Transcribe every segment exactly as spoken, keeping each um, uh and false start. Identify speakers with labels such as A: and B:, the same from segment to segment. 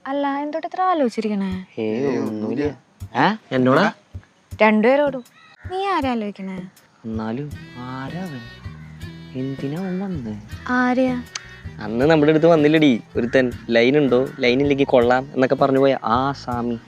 A: അല്ല എന്തോട്ട് ഇത്ര ആലോചിച്ചിരിക്കണേ?
B: എന്നോടാ
A: രണ്ടുപേരോടും. നീ ആരാ ആലോചിക്കണേ?
B: എന്നാലും ആരാവൻ? എന്തിനാ വന്നത്?
A: ആരെയാ?
B: അന്ന് നമ്മുടെ അടുത്ത് വന്നില്ലടി ഒരുത്തൻ, ലൈൻ ഉണ്ടോ ലൈൻ ഇല്ലെങ്കിൽ കൊള്ളാം എന്നൊക്കെ പറഞ്ഞു പോയ ആ സാമി.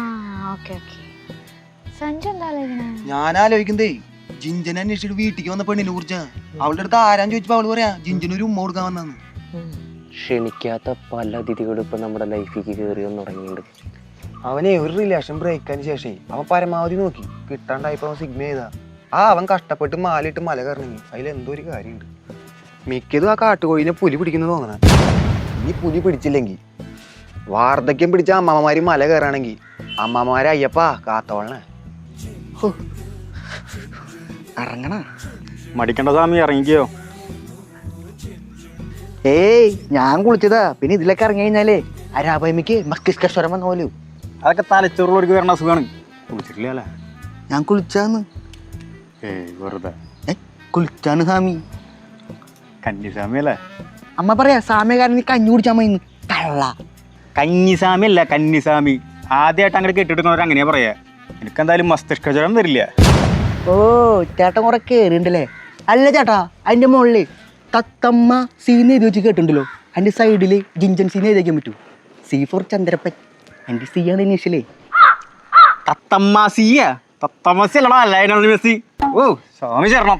A: സഞ്ജു എന്താ ആലോചിക്കണേ?
C: ഞാൻ ആലോചിക്കുന്നേ ജിഞ്ചനെ അന്വേഷിച്ചിട്ട് വീട്ടിലേക്ക് വന്ന പെണ്ണിനെ കുറിച്ചാ. അവളുടെ അടുത്ത് ആരാന്ന് ചോദിച്ചപ്പോ അവള് പറയാ ജിഞ്ചനൊരു ഉമ്മ കൊടുക്കാൻ വന്നു.
B: ക്ഷണിക്കാത്ത പല അതിഥികളും ഇപ്പൊ നമ്മുടെ ലൈഫിലേക്ക് കയറി വന്ന് തുടങ്ങിയിട്ടുണ്ട്.
C: അവനെ ഒരു റിലേഷൻ ബ്രേക്കിന് ശേഷം അവൻ പരമാവധി നോക്കി കിട്ടാണ്ടായപ്പോ സിഗ്മ ചെയ്താ. ആ അവൻ കഷ്ടപ്പെട്ട് മാലിട്ട് മല കയറണമെങ്കിൽ അതിൽ എന്തോ ഒരു കാര്യമുണ്ട്. മിക്കതും ആ കാട്ടുകോഴിനെ പുലി പിടിക്കുന്നത് തോന്നണ. ഇനി പുലി പിടിച്ചില്ലെങ്കിൽ വാർദ്ധക്യം പിടിച്ച അമ്മമാര് മല കയറാണെങ്കിൽ അമ്മമാരെ അയ്യപ്പാ കാത്തോളണേ.
D: ഇറങ്ങണ
E: മടിക്കണ്ട സ്വാമി, ഇറങ്ങിക്കോ.
D: ഏയ് ഞാൻ കുളിച്ചതാ. പിന്നെ ഇതിലൊക്കെ ഇറങ്ങി കഴിഞ്ഞാലേ അരാപയമിക്ക് മസ്തിഷ്കസ്വരം വന്ന പോലും.
E: അതൊക്കെ തലച്ചോറുള്ളവർക്ക് വരണ അസുഖമാണ്. കുളിച്ചിട്ടില്ല അല്ലേ?
D: ഞാൻ കുളിച്ചാന്ന്.
E: ഏയ് വെറുതെ.
D: ഏ കുളിച്ചാണ് സ്വാമി.
E: കന്നിസ്വാമി അല്ലേ?
D: അമ്മ പറയാ സാമ്യകാരൻ നീ കഞ്ഞി കുടിച്ചാൽ മതി. കള്ള
E: കന്നിസ്വാമി അല്ല കന്നിസ്വാമി. ആദ്യമായിട്ട് അങ്ങനെ കെട്ടിട്ടുള്ളവർ അങ്ങനെയാ പറയാ. എനിക്കെന്തായാലും മസ്തിഷ്കജ്വരം വരില്ല.
D: ഓ ചേട്ടൻ കുറെ കേറിണ്ടല്ലേ. അല്ല ചേട്ടാ, അതിന്റെ മുകളില് തത്തമ്മ സീന്ന് എഴുതി വെച്ച് കേട്ടിട്ടുണ്ടല്ലോ. അതിന്റെ സൈഡില് ജിഞ്ചൻ സീന്ന് എഴുതി വയ്ക്കാൻ പറ്റൂ. C for Chandrappan. എന്റെ സി ആണ് ഇനീഷ്യലേ.
E: തത്തമ്മാസിയ തത്തമ്മസി അല്ലടാ അല്ലായിരുന്നു മെസ്സി. ഓ സ്വാമി ചേരണം.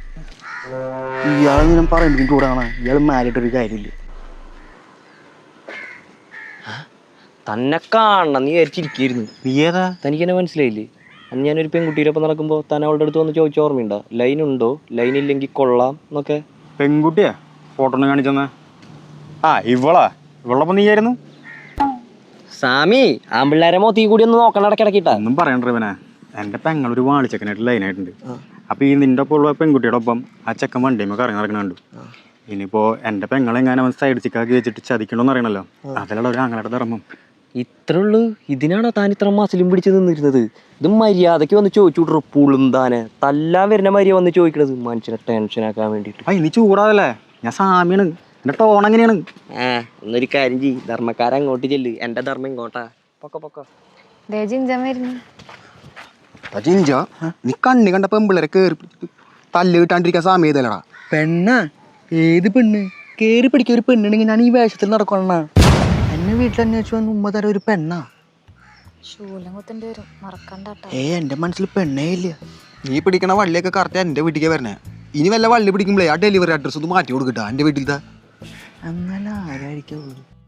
D: ഇയാളെ ഞാൻ പറയുമ്പോൾ ചൂടാണ്. ഇയാൾ മാലിട്ടൊരു കാര്യമില്ല.
B: തന്നെ കാണണം നീ വിചാരിച്ചിരിക്കുന്നു.
E: നീ ഏതാ?
B: തനിക്ക് എന്നെ മനസ്സിലായില്ലേ? അന്ന് ഞാനൊരു പെൺകുട്ടിയുടെ ഒപ്പം നടക്കുമ്പോൾ താൻ അവളുടെ അടുത്ത് വന്ന് ചോദിച്ച ഓർമ്മയുണ്ടോ? ലൈൻ ഉണ്ടോ ലൈൻ ഇല്ലെങ്കിൽ കൊള്ളാം എന്നൊക്കെ.
E: പെൺകുട്ടിയാ? ഫോട്ടോ ഒന്ന് കാണിച്ചെന്നാ. ആ ഇവളാ? ഇവളൊപ്പം നീ ആയിരുന്നു?
B: സാമി ആമ്പിള്ളേരെ മൊത്തീ കൂടി ഒന്ന് നോക്കണം ഇടയ്ക്കിടക്കിട്ടാ.
E: ഒന്നും പറയണ്ട ഇവനെ. എൻ്റെ പെങ്ങളൊരു വാളിച്ചക്കനായിട്ട് ലൈനായിട്ടുണ്ട്. അപ്പൊ ഈ നിന്റെ ഒപ്പം ഉള്ള പെൺകുട്ടിയുടെ ഒപ്പം ആ ചെക്കൻ വണ്ടിയുമ്പോ കറങ്ങി നടക്കണുണ്ട്. ഇനിയിപ്പോ എൻ്റെ പെങ്ങളെങ്ങാനും അവൻ സൈഡ് ചിക്കാക്കി വെച്ചിട്ട് ചതിക്കണമെന്ന് അറിയണല്ലോ. അതിലുള്ള ഒരു ആങ്ങളുടെ ധർമ്മം.
B: ഇത്രേ ഉള്ളൂ? ഇതിനാണോ താൻ ഇത്ര മസിലും പിടിച്ച് നിന്നിരുന്നത്? ഇത് മര്യാദക്ക് വന്ന് ചോദിച്ചു വിട്ടു. പുളും താനെ തല്ലാൻ വരുന്ന മര്യാദ വന്ന് ചോദിക്കണത് മനുഷ്യനെ ടെൻഷനാക്കാൻ വേണ്ടിട്ട്.
E: ആ ഇനി ചൂടാതല്ലേ? ഞാൻ സാമിയാണ്. എന്റെ ടോൺ എങ്ങനെയാണ്?
B: ആ എന്നൊരു കാര്യം ചെയ്യ്, ധർമ്മക്കാരൻ അങ്ങോട്ട് ചെല്ല്, എന്റെ ധർമ്മം ഇങ്ങോട്ടാ. പൊക്ക പൊക്ക.
A: ജിഞ്ചൻ വരുന്നു.
C: ജിഞ്ച നീ കണ്ണി കണ്ട പെമ്പിള്ളേരെ കേറി തല്ല് കിട്ടാണ്ടിരിക്കാൻ സാമ്യതല്ലടാ.
D: പെണ്ണ ഏത് പെണ്ണ്? കേറി പിടിക്കുക ഒരു പെണ്ണുണ്ടെങ്കിൽ ഞാൻ ഈ വേഷത്തിൽ നടക്കണ. എന്നെ വീട്ടിൽ അന്വേഷിച്ചു വന്ന് ഉമ്മ തര ഒരു പെണ്ണാ.
A: ശൂലം കുത്തേണ്ടി വരും, മറക്കണ്ടാട്ടോ.
D: ഏ എന്റെ മനസ്സിൽ പെണ്ണേ ഇല്ല.
C: നീ പിടിക്കണ വള്ളിയൊക്കെ കറക്റ്റ് എന്റെ വീട്ടിലേക്ക് വരണേ. ഇനി വല്ല വള്ളി പിടിക്കുമ്പോഴേ ആ ഡെലിവറി അഡ്രസ് ഒന്ന് മാറ്റി കൊടുക്കട്ടാ എന്റെ വീട്ടിലത്തെ.
D: എന്നാലും ആരായിരിക്കും?